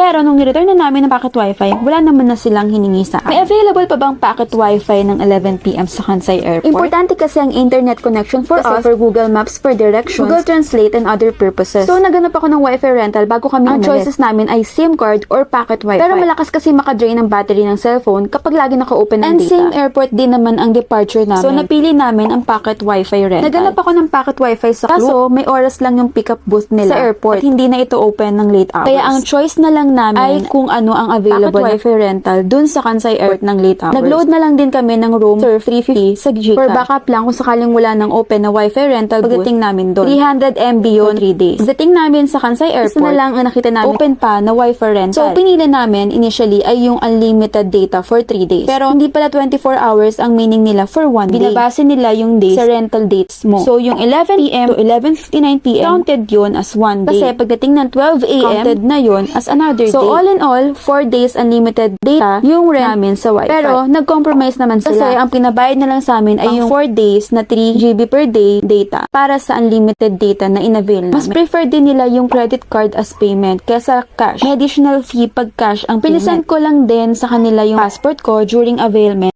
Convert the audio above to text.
Pero nung nireturn na namin ng packet wifi, wala naman na silang hiningi sa akin. May available pa bang packet wifi ng 11 PM sa Kansai Airport? Importante kasi ang internet connection for us, for Google Maps, for directions, Google Translate, and other purposes. So naganap ako ng wifi rental bago kami umalis. Ang choices namin ay SIM card or packet wifi. Pero malakas kasi makadrain ang battery ng cellphone kapag lagi naka-open ang data. And same airport din naman ang departure namin. So napili namin ang packet wifi rental. Naganap ako ng packet wifi sa Klook. Kaso may oras lang yung pickup booth nila sa airport at hindi na ito open ng late hours. Kaya ang choice na lang namin ay kung ano ang available packet wifi rental dun sa Kansai Airport ng late hours. Nag-load na lang din kami ng room for 350 sa Gcash. For backup lang kung sakaling wala ng open na wifi rental booth. Pagdating namin doon, 300 MB yun 3 days. Pagdating namin sa Kansai Airport, isa na lang ang nakita namin open pa na wifi rental. So pinili namin initially ay yung unlimited data for 3 days. Pero hindi pala 24 hours ang meaning nila for 1 day. Binabase nila yung days sa rental dates mo. So yung 11 PM to 11:59 PM counted yun as 1 day. Kasi pagdating ng 12 AM counted na yun as another day. So all in all, 4 days unlimited data yung rent namin sa wifi. Pero nag-compromise naman sila. Kasi ang pinabayad na lang sa amin ay yung 4 days na 3 GB per day data para sa unlimited data na inavail namin. Mas prefer din nila yung credit card as payment kesa cash. May additional fee pag cash ang payment. Pilisan ko lang din sa kanila yung passport ko during availment